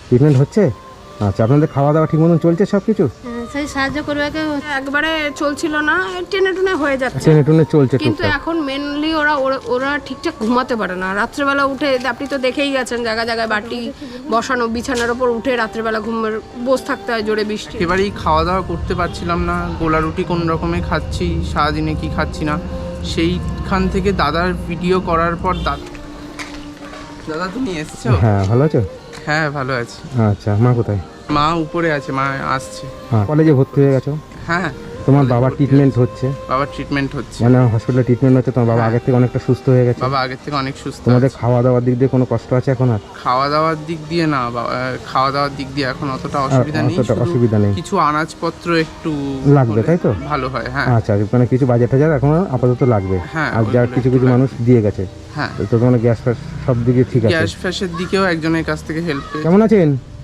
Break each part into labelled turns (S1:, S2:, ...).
S1: Treatment হচ্ছে? আচ্ছা, আপনাদের খাওয়া দাওয়া ঠিক মতন চলছে সব কিছু?
S2: সেই সাহায্য করবে
S3: একবারে চলছিল না, টেনে টুনে হয়ে যাচ্ছে,
S1: ট্রেনে টুনে চলছে
S3: কিন্তু
S1: টুকটাক।
S3: এখন মেনলি ওরা ঠিকঠাক ঘুমাতে পারে না। রাত্রেবেলা উঠে আপনি তো দেখেই গেছেন, জায়গায় জায়গায় বাটি বসানো, বিছানার ওপর উঠে রাত্রেবেলা বসে থাকতে হয় জোরে বৃষ্টি।
S4: এবারেই খাওয়া দাওয়া করতে পারছিলাম না, গোলা রুটি কোন রকমে খাচ্ছি, সারাদিনে কি খাচ্ছি না। সেইখান থেকে দাদার ভিডিও করার পর দাদা তুমি এসছো?
S1: হ্যাঁ, ভালো আছো?
S4: হ্যাঁ ভালো আছি।
S1: আচ্ছা, মা কোথায়?
S4: মা উপরে আছে, মা আসছে।
S1: হ্যাঁ, কলেজে ভর্তি হয়ে গেছো?
S4: হ্যাঁ।
S1: তোমার বাবার ট্রিটমেন্ট হচ্ছে?
S4: বাবার ট্রিটমেন্ট হচ্ছে,
S1: মানে হসপিটালে ট্রিটমেন্ট হচ্ছে। তোমার বাবা আগের থেকে অনেকটা সুস্থ হয়ে গেছে?
S4: বাবা আগের থেকে অনেক সুস্থ।
S1: তোমাদের খাওয়া দাওয়ার দিক দিয়ে কোনো কষ্ট আছে এখন আর?
S4: খাওয়া দাওয়ার দিক দিয়ে না, খাওয়া দাওয়ার দিক দিয়ে এখন অতটা অসুবিধা নেই,
S1: অতটা অসুবিধা নেই।
S4: কিছু আনাজপত্র একটু
S1: লাগবে, তাই তো?
S4: ভালো হয়। হ্যাঁ
S1: আচ্ছা, মানে কিছু বাজেট টাজার এখন আপাতত লাগবে।
S4: হ্যাঁ,
S1: আর যা কিছু কিছু মানুষ দিয়ে গেছে।
S4: হ্যাঁ,
S1: তো তোমার গ্যাস ফ্যাস সব দিকে ঠিক আছে?
S4: গ্যাস ফ্যাসের দিকেও একজনের কাছ থেকে হেল্প পেয়ে।
S1: কেমন আছেন?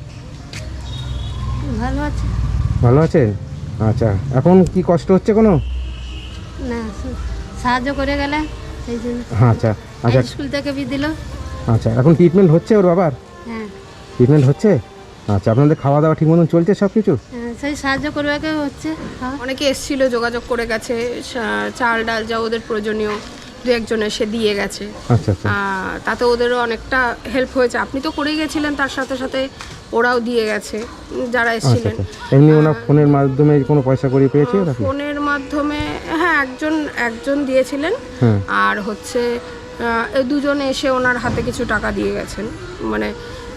S2: ভালো আছে
S1: ভালো আছেন? আচ্ছা, এখন কি কষ্ট হচ্ছে কোনো?
S2: না, সাহায্য করে গেলে সেই জন্য।
S1: আচ্ছা আচ্ছা
S2: স্কুল থেকে বি দিল।
S1: আচ্ছা, এখন ট্রিটমেন্ট হচ্ছে ওর বাবার?
S2: হ্যাঁ,
S1: ট্রিটমেন্ট হচ্ছে? আচ্ছা, আপনাদের খাওয়া দাওয়া ঠিক মতন চলছে সব কিছু?
S2: সেই সাহায্য করবে হচ্ছে।
S3: অনেকে এসেছিল, যোগাযোগ করে গেছে, চাল ডাল যা ওদের প্রয়োজনীয় দু একজন এসে দিয়ে গেছে।
S1: আচ্ছা আচ্ছা
S3: তাতে ওদেরও অনেকটা হেল্প হয়েছে। আপনি তো করেই গেছিলেন, তার সাথে সাথে ওরাও দিয়ে গেছে যারা
S1: আচ্ছা
S3: এসেছিলেন।
S1: আচ্ছা। এমনি ওনার ফোনের মাধ্যমে কোনো পয়সা করে পেয়েছে নাকি?
S3: ফোনের মাধ্যমে হ্যাঁ, একজন দিয়েছিলেন।
S1: হ্যাঁ।
S3: আর হচ্ছে এই দুজন এসে ওনার হাতে কিছু টাকা দিয়ে গেছেন, মানে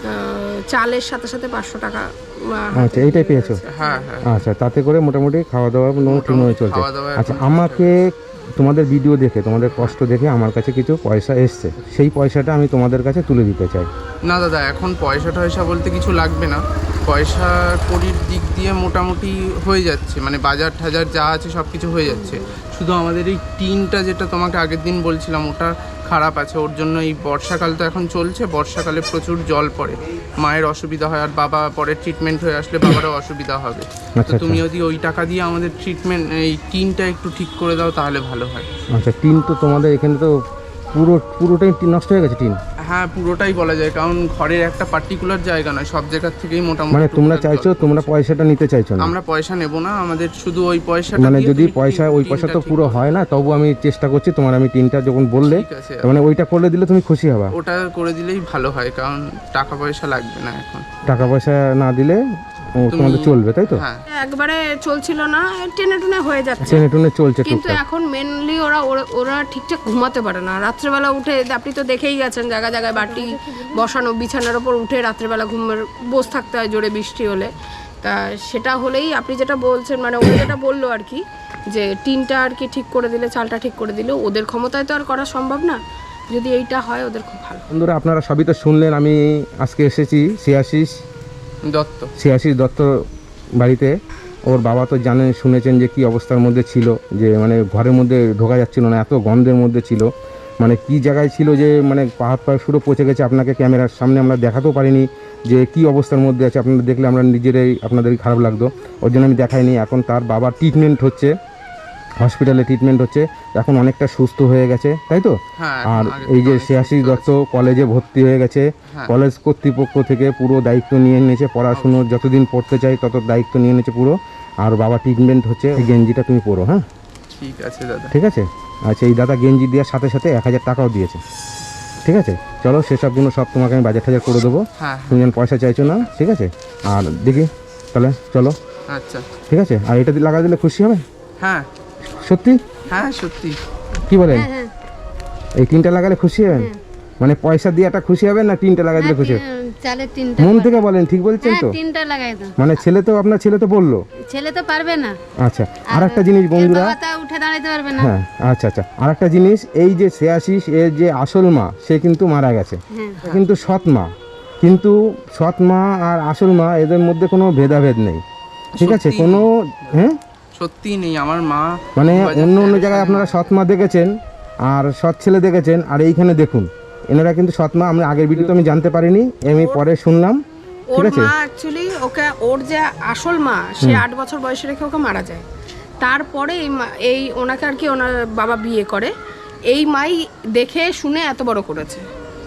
S3: চালের সাথে সাথে 500 টাকা।
S1: আচ্ছা, এইটাই পেয়েছো?
S4: হ্যাঁ হ্যাঁ।
S1: আচ্ছা, তাতে করে মোটামুটি খাওয়া দাওয়া ঠিকমতো চলছে।
S4: খাওয়া দাওয়া
S1: আচ্ছা, আমাকে তোমাদের ভিডিও দেখে, তোমাদের কষ্ট দেখে আমার কাছে কিছু পয়সা এসছে, সেই পয়সাটা আমি তোমাদের কাছে তুলে দিতে চাই।
S4: না দাদা, এখন পয়সা টয়সা বলতে কিছু লাগবে না, পয়সা কড়ির দিক দিয়ে মোটামুটি হয়ে যাচ্ছে, মানে বাজার টাজার যা আছে সব কিছু হয়ে যাচ্ছে। শুধু আমাদের এই টিনটা যেটা তোমাকে আগের দিন বলছিলাম, ওটা খারাপ আছে। ওর জন্য এই বর্ষাকাল তো এখন চলছে, বর্ষাকালে প্রচুর জল পড়ে, মায়ের অসুবিধা হয়, আর বাবা পরে ট্রিটমেন্ট হয়ে আসলে বাবারও অসুবিধা হবে। তো তুমি যদি ওই টাকা দিয়ে আমাদের ট্রিটমেন্ট, এই টিনটা একটু ঠিক করে দাও তাহলে ভালো হয়।
S1: আচ্ছা, টিন তো তোমাদের এখানে তো পুরোটাই নষ্ট হয়ে গেছে টিন?
S4: হ্যাঁ, পুরোটাই বলা যায়, কারণ ঘরের একটা পার্টিকুলার জায়গা নয়, সব জায়গার থেকেই মোটামুটি।
S1: মানে তোমরা চাইছো, তোমরা পয়সাটা নিতে চাইছো না?
S4: আমরা পয়সা নেব না, আমাদের শুধু ওই পয়সাটা
S1: মানে
S4: দিয়ে
S1: যদি
S4: তুমি
S1: পয়সা, ওই পয়সা
S4: টিনটা
S1: তো
S4: ঠিক
S1: পুরো
S4: করো।
S1: হয় না, তবু আমি চেষ্টা করছি। তোমার আমি টিনটা যখন বললে,
S4: ঠিক আছে,
S1: মানে ওইটা করলে দিলে তুমি খুশি হবা?
S4: ওটা করে দিলেই ভালো হয়, কারণ টাকা পয়সা লাগবে না এখন।
S1: টাকা পয়সা না দিলে তোমাদের চলবে, তাই তো?
S4: হ্যাঁ,
S3: একবারে চলছিল না, টেনে টুনে হয়ে যাচ্ছে,
S1: ট্রেনে টুনে চলছে
S3: কিন্তু
S1: টুকটাক।
S3: এখন মেনলি ওরা ঠিকঠাক ঘুমাতে পারে না। রাত্রেবেলা উঠে আপনি তো দেখেই গেছেন, জায়গায় জায়গায় বাটি বসানো, বিছানার ওপর উঠে রাত্রেবেলা বসে থাকতে হয় জোরে বৃষ্টি হলে। তা সেটা হলেই আপনি যেটা বলছেন, মানে ও যেটা বললো আর কি, যে টিনটা আর কি ঠিক করে দিলে, চালটা ঠিক করে দিলে, ওদের ক্ষমতায় তো আর করা সম্ভব না। যদি এইটা হয় ওদের খুব ভালো।
S1: বন্ধুরা, আপনারা সবই তো শুনলেন। আমি আজকে এসেছি শ্রেয়াশিস দত্ত বাড়িতে। ওর বাবা তো জানেন, শুনেছেন যে কি অবস্থার মধ্যে ছিল, যে মানে ঘরের মধ্যে ঢোকা যাচ্ছিল না, এত গন্ধের মধ্যে ছিল। মানে কি জায়গায় ছিল, যে মানে পাহাড় শুরু পচে গেছে। আপনাকে ক্যামেরার সামনে আমরা দেখাতেও পারিনি যে কি অবস্থার মধ্যে আছে। আপনারা দেখলে আমরা নিজেরাই, আপনাদেরই খারাপ লাগতো, ওর জন্য আমি দেখাইনি। এখন তার বাবার ট্রিটমেন্ট হচ্ছে, হসপিটালে ট্রিটমেন্ট হচ্ছে, এখন অনেকটা সুস্থ হয়ে গেছে, তাই তো?
S4: হ্যাঁ।
S1: আর এই যে শ্রেয়াশিস দত্ত কলেজে ভর্তি হয়ে গেছে, কলেজ কর্তৃপক্ষ থেকে পুরো দায়িত্ব নিয়ে নিয়েছে, পড়াশুনো যতদিন পড়তে চাই তত দায়িত্ব নিয়ে নিয়েছে পুরো। আর বাবা ট্রিটমেন্ট হচ্ছে। এই গেঞ্জিটা তুমি পরো, হ্যাঁ?
S4: ঠিক আছে দাদা।
S1: ঠিক আছে। আচ্ছা, এই দাদা গেঞ্জি দেওয়ার সাথে সাথে 1000 টাকাও দিয়েছে। ঠিক আছে, চলো সেসবগুলো সব তোমাকে আমি বাজার টাজার করে দেবো।
S4: হ্যাঁ,
S1: তুমি যেন পয়সা চাইছো না, ঠিক আছে? আর দেখি তাহলে, চলো।
S4: আচ্ছা,
S1: ঠিক আছে। আর এটা লাগা দিলে খুশি হবে?
S4: হ্যাঁ
S1: সত্যি?
S4: হ্যাঁ সত্যি।
S1: কি বলেন?
S2: হ্যাঁ,
S1: এই টিনটা লাগালে খুশি হবেন? মানে পয়সা দিয়েটা খুশি হবেন না টিনটা লাগাই দিলে খুশি হবেন?
S2: চালের তিনটা।
S1: মন থেকে বলেন, ঠিক বলছেন তো?
S2: তিনটা লাগাই দাও।
S1: মানে আপনার ছেলে তো বললো।
S2: ছেলে তো পারবে না।
S1: আচ্ছা, আর একটা জিনিস বন্ধুরা,
S2: উঠে দাঁড়াতে পারবে না।
S1: হ্যাঁ আচ্ছা আচ্ছা, আর একটা জিনিস, এই যে শ্রেয়াশিস এর যে আসল মা, সে কিন্তু মারা গেছে, কিন্তু সৎ মা। কিন্তু সৎ মা আর আসল মা, এদের মধ্যে কোনো ভেদাভেদ নেই, ঠিক আছে? কোনো, হ্যাঁ
S4: সত্যি নেই। আমার মা
S1: মানে অন্য জায়গায় আপনারা সৎ মা দেখেছেন আর সৎ ছেলে দেখেছেন, আর এইখানে দেখুন এনারা কিন্তু সৎ মা। আমি আগের ভিডিওতে আমি জানতে পারিনি, আমি পরে শুনলাম, ঠিক
S3: ওর
S1: আছে?
S3: মা অ্যাকচুয়ালি ওর যে আসল মা, সে 8 বছর বয়সে রেখে ওকে মারা যায়। তারপরে এই ওনাকে আর কি ওনার বাবা বিয়ে করে, এই মাই দেখে শুনে এত বড় করেছে।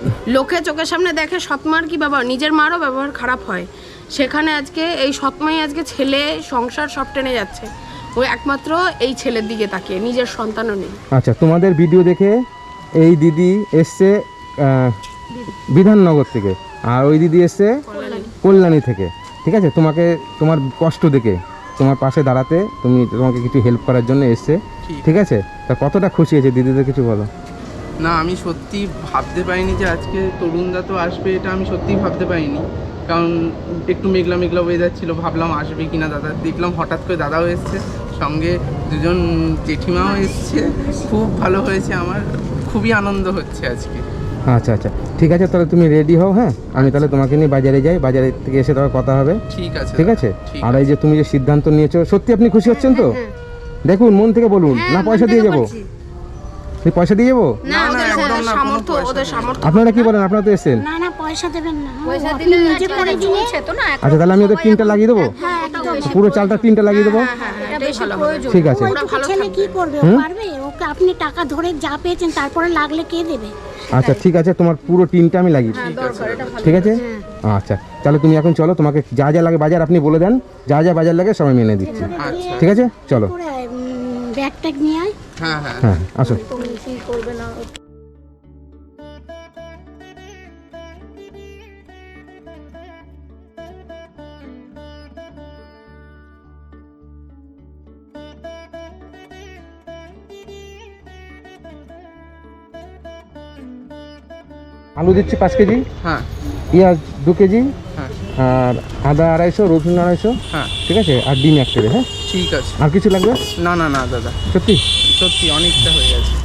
S3: লোকে চোখের সামনে দেখে সৎমার কি ব্যবহার, নিজের মারও ব্যবহার খারাপ হয়, সেখানে আজকে এই সৎমাই আজকে ছেলে সংসার সব টেনে যাচ্ছে, ওই একমাত্র এই ছেলের দিকে তাকিয়ে, নিজের সন্তানও নেই।
S1: আচ্ছা, তোমাদের ভিডিও দেখে এই দিদি এসছে বিধাননগর থেকে, আর ওই দিদি এসছে কল্যাণী থেকে, ঠিক আছে? তোমাকে তোমার কষ্ট দেখে তোমার পাশে দাঁড়াতে, তোমাকে কিছু হেল্প করার জন্য এসছে, ঠিক আছে? তা কতটা খুশি হয়েছে দিদিদের কিছু বলো।
S4: না, আমি সত্যি ভাবতে পারিনি যে আজকে তরুণদা তো আসবে, এটা আমি সত্যিই ভাবতে পারিনি। কারণ একটু মেঘলা মেঘলা ওয়েদার ছিল, ভাবলাম আসবে কিনা দাদা, দেখলাম হঠাৎ করে দাদাও এসছে, সঙ্গে দুজন জেঠিমাও এসছে। খুব ভালো হয়েছে, আমার খুবই আনন্দ হচ্ছে আজকে।
S1: আচ্ছা আচ্ছা, ঠিক আছে, তাহলে তুমি রেডি হও। হ্যাঁ, আমি তাহলে তোমাকে নিয়ে বাজারে যাই, বাজারে থেকে এসে তাহলে কথা হবে।
S4: ঠিক আছে,
S1: ঠিক আছে? আর এই যে তুমি যে সিদ্ধান্ত নিয়েছো, সত্যি আপনি খুশি হচ্ছেন তো? দেখুন, মন থেকে বলুন, না পয়সা দিয়ে যাবো? পয়সা দিয়ে যাবো?
S3: না, ওদের সামর্থ্য, ওদের সামর্থ্য।
S1: আপনারা কি বলেন? আপনারা তো এসেছেন।
S5: না না, পয়সা দেবেন না,
S2: পয়সা দিলে
S5: নিজে করে দিলে।
S1: আচ্ছা, তাহলে আমি ওদের টিনটা লাগিয়ে দেবো, পুরো চালটা টিনটা লাগিয়ে দেবো।
S3: এটাই ভালো হবে।
S1: ঠিক আছে।
S5: ছেলে কি করবে, ও পারবে? ওকে আপনি টাকা ধরে যা পেয়েছেন তারপরে লাগলে কে দেবে?
S1: আচ্ছা, ঠিক আছে, তোমার পুরো টিনটা আমি লাগিয়ে দিই। ঠিক আছে? আচ্ছা, তাহলে তুমি এখন চলো, তোমাকে যা যা লাগে বাজার আপনি বলে দেন, যা যা বাজার লাগে সবাই মেনে দিচ্ছি। ঠিক আছে, চলো।
S5: ব্যাগ ট্যাগ নিয়ে আয়।
S4: হ্যাঁ হ্যাঁ
S1: হ্যাঁ, আসো।
S5: করবে না।
S1: আলু দিচ্ছি 5 কেজি,
S4: হ্যাঁ
S1: পেঁয়াজ 2 কেজি,
S4: হ্যাঁ
S1: আর আদা 250, রসুন 250,
S4: হ্যাঁ
S1: ঠিক আছে? আর ডিম 1 ট্রে। হ্যাঁ,
S4: ঠিক আছে।
S1: আর কিছু লাগবে?
S4: না না না দাদা,
S1: সত্যি?
S4: সত্যি অনেকটা হয়ে গেছে।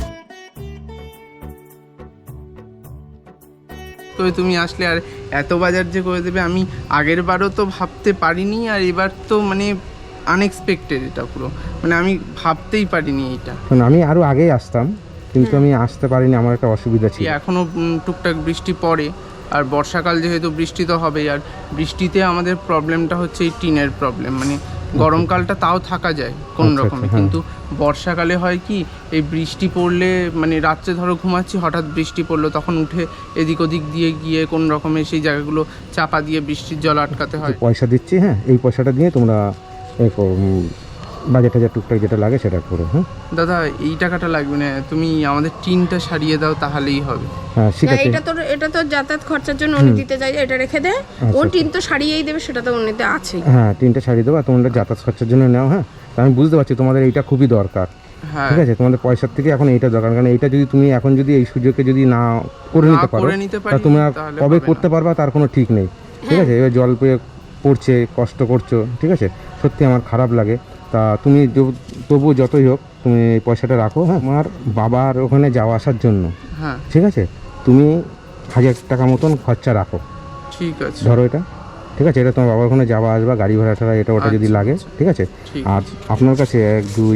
S4: তো তুমি আসলে আর এত বাজার যে করে দেবে, আমি আগের বারও তো ভাবতে পারিনি, আর এবার তো মানে আনএক্সপেক্টেড, এটা পুরো মানে আমি ভাবতেই পারিনি এটা।
S1: শোনো, আমি আরও আগেই আসতাম, কিন্তু আমি আসতে পারিনি, আমার একটা অসুবিধা ছিল।
S4: এখনও টুকটাক বৃষ্টি পড়ে, আর বর্ষাকাল যেহেতু বৃষ্টি তো হবেই, আর বৃষ্টিতে আমাদের প্রবলেমটা হচ্ছে এই টিনের প্রবলেম। মানে গরমকালটা তাও থাকা যায় কোন
S1: আচ্ছা,
S4: রকমে,
S1: হ্যাঁ।
S4: কিন্তু বর্ষাকালে হয় কি, এই বৃষ্টি পড়লে মানে রাত্রে ধরো ঘুমাচ্ছি, হঠাৎ বৃষ্টি পড়লো, তখন উঠে এদিক ওদিক দিয়ে গিয়ে কোন রকমে সেই জায়গাগুলো চাপা দিয়ে বৃষ্টির জল আটকাতে হয়।
S1: পয়সা দিচ্ছি, হ্যাঁ, এই পয়সাটা দিয়ে তোমরা বাজেট টাজার টুকটাক যেটা লাগে সেটা করো। হ্যাঁ
S4: দাদা, এই টাকাটা লাগবে না, তুমি আমাদের টিনটা সারিয়ে দাও, তাহলেই হবে।
S1: হ্যাঁ, ঠিক আছে।
S3: এটা তো যাতায়াত খরচার জন্য উনি দিতে চাই, এটা রেখে দে, ও টিন তো সারিয়েই দেবে, সেটা তো উনিতে আছেই।
S1: হ্যাঁ, টিনটা সারিয়ে দেবো, আর তোমরা যাতায়াত খরচার জন্য নাও। হ্যাঁ, তা আমি বুঝতে পারছি তোমাদের এইটা খুবই দরকার।
S4: হ্যাঁ,
S1: ঠিক আছে, তোমাদের পয়সার থেকে এখন এইটা দরকার, কারণ এইটা যদি তুমি এখন যদি এই সুযোগে যদি না করে
S4: না
S1: নিতে পারো,
S4: করে নিতে পারি,
S1: তা তোমরা
S4: তাহলে
S1: কবে
S4: হবে
S1: করতে
S4: না।
S1: পারবা তার কোনো ঠিক নেই। ঠিক আছে, এবার জল পেয়ে পড়ছে, কষ্ট করছো, ঠিক আছে? সত্যি আমার খারাপ লাগে। তা তুমি তবু যতই হোক তুমি এই পয়সাটা রাখো। হ্যাঁ, আমার বাবার ওখানে যাওয়া আসার জন্য,
S4: হ্যাঁ
S1: ঠিক আছে? তুমি 1000 টাকা মতন খরচা রাখো,
S4: ঠিক আছে।
S1: ধরো এটা, ঠিক আছে? এটা তোমার বাবার ওখানে যাওয়া আসবা, গাড়ি ভাড়া টাড়া এটা ওটা যদি
S4: আচ্ছা,
S1: লাগে,
S4: আচ্ছা।
S1: ঠিক আছে?
S4: ঠিক
S1: আর আপনার কাছে 1, 2,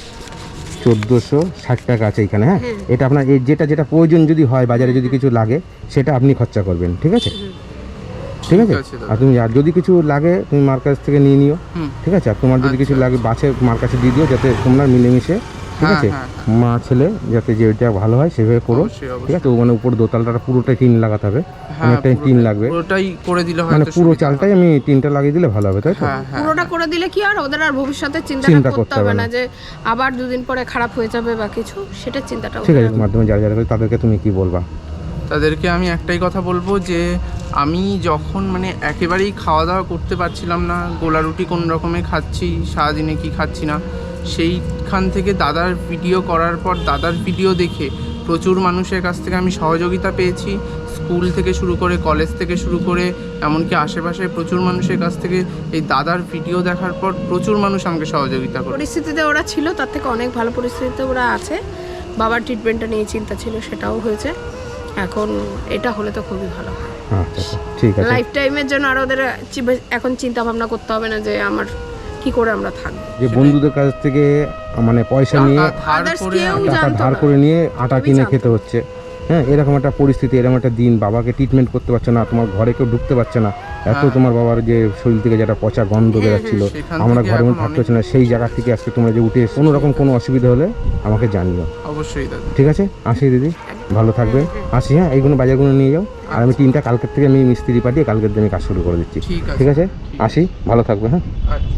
S1: 1460 টাকা আছে এখানে। হ্যাঁ, এটা আপনার এই যেটা যেটা প্রয়োজন যদি হয়, বাজারে যদি কিছু লাগে, সেটা আপনি খরচা করবেন, ঠিক আছে? ঠিক আছে?
S4: আছে দাদা।
S1: আর তুমি আর যদি কিছু লাগে তুমি মার কাছ থেকে নিয়ে নিও,
S4: হুম।
S1: ঠিক আছে? আর তোমার যদি কিছু লাগে বাসে মার কাছে দিয়ে দিও, যাতে তোমরা মিলেমিশে, ঠিক
S4: হ্যাঁ,
S1: আছে,
S4: হ্যাঁ,
S1: মা ছেলে যাতে যেটা ভালো হয় সেভাবে করো।
S4: অবশ্যই, অবশ্যই।
S1: ঠিক আছে? ও মানে উপর দোতলাটা পুরোটাই টিন লাগাতে হবে,
S4: হ্যাঁ,
S1: অনেকটাই টিন লাগবে,
S4: পুরোটাই করে দিলে
S1: মানে
S4: হয়তো
S1: পুরো
S4: সুবিধা
S1: চালটাই আমি টিনটা লাগিয়ে দিলে ভালো হবে, তাই তো?
S4: হ্যাঁ হ্যাঁ
S3: পুরোটা করে দিলে কি আর ওদের আর ভবিষ্যতে
S1: চিন্তা
S3: চিন্তা
S1: করতে
S3: করতে হবে
S1: হবে
S3: না
S1: না।
S3: যে আবার দুদিন পরে খারাপ হয়ে যাবে বা কিছু, সেটা চিন্তাটা
S1: ঠিক আছে, মাধ্যমে যারা যারা করে তাদেরকে তুমি কি বলবা?
S4: তাদেরকে আমি একটাই কথা বলবো যে আমি যখন মানে একেবারেই খাওয়া দাওয়া করতে পারছিলাম না, গোলা রুটি কোন রকমে খাচ্ছি, সারাদিনে কি খাচ্ছি না, সেইখান থেকে দাদার ভিডিও করার পর দাদার ভিডিও দেখে প্রচুর মানুষের কাছ থেকে আমি সহযোগিতা পেয়েছি। স্কুল থেকে শুরু করে কলেজ থেকে শুরু করে এমনকি আশেপাশে প্রচুর মানুষের কাছ থেকে এই দাদার ভিডিও দেখার পর প্রচুর মানুষ আমাকে সহযোগিতা করে।
S3: পরিস্থিতিতে ওরা ছিল তার থেকে অনেক ভালো পরিস্থিতিতে ওরা আছে। বাবার ট্রিটমেন্টটা নিয়ে চিন্তা ছিল, সেটাও হয়েছে। এখন এটা হলে তো খুবই ভালো হয়।
S1: আচ্ছা আচ্ছা, ঠিক আছে।
S3: লাইফ টাইমের জন্য আর ওদের এখন চিন্তা ভাবনা করতে হবে না যে আমার কি করে আমরা থাকবো।
S1: যে বন্ধুদের কাছ থেকে মানে পয়সা নিয়ে
S4: টাকা ধার
S3: Others
S4: করে
S3: কেউ
S1: টাকা
S3: জানতো
S1: ধার
S3: না।
S1: করে নিয়ে আটা
S3: সবই
S1: কিনে
S3: জানতো।
S1: খেতে হচ্ছে, হ্যাঁ এরকম একটা পরিস্থিতি, এরকম একটা দিন, বাবাকে ট্রিটমেন্ট করতে পারছো না, তোমার ঘরে কেউ ঢুকতে পারছে না, এত তোমার বাবার যে শরীর থেকে যেটা পচা গন্ধ বেরাচ্ছিল,
S4: সেখান
S1: আমরা
S4: থেকে
S1: ঘরের মধ্যে
S4: এখন
S1: থাকতে পারছি না, সেই জায়গা থেকে আজকে তোমরা যে উঠে কোনো রকম কোনো অসুবিধা হলে আমাকে জানিও।
S4: অবশ্যই দাদা।
S1: ঠিক আছে, আসি দিদি, ভালো থাকবেন, আসি। হ্যাঁ এইগুলো বাজারগুলো নিয়ে যাও, আর আমি টিনটা কালকের থেকে আমি মিস্ত্রি পাঠিয়ে কালকের দিনে কাজ শুরু করে দিচ্ছি।
S4: ঠিক আছে।
S1: ঠিক আছে, আসি, ভালো থাকবে। হ্যাঁ
S4: আচ্ছা।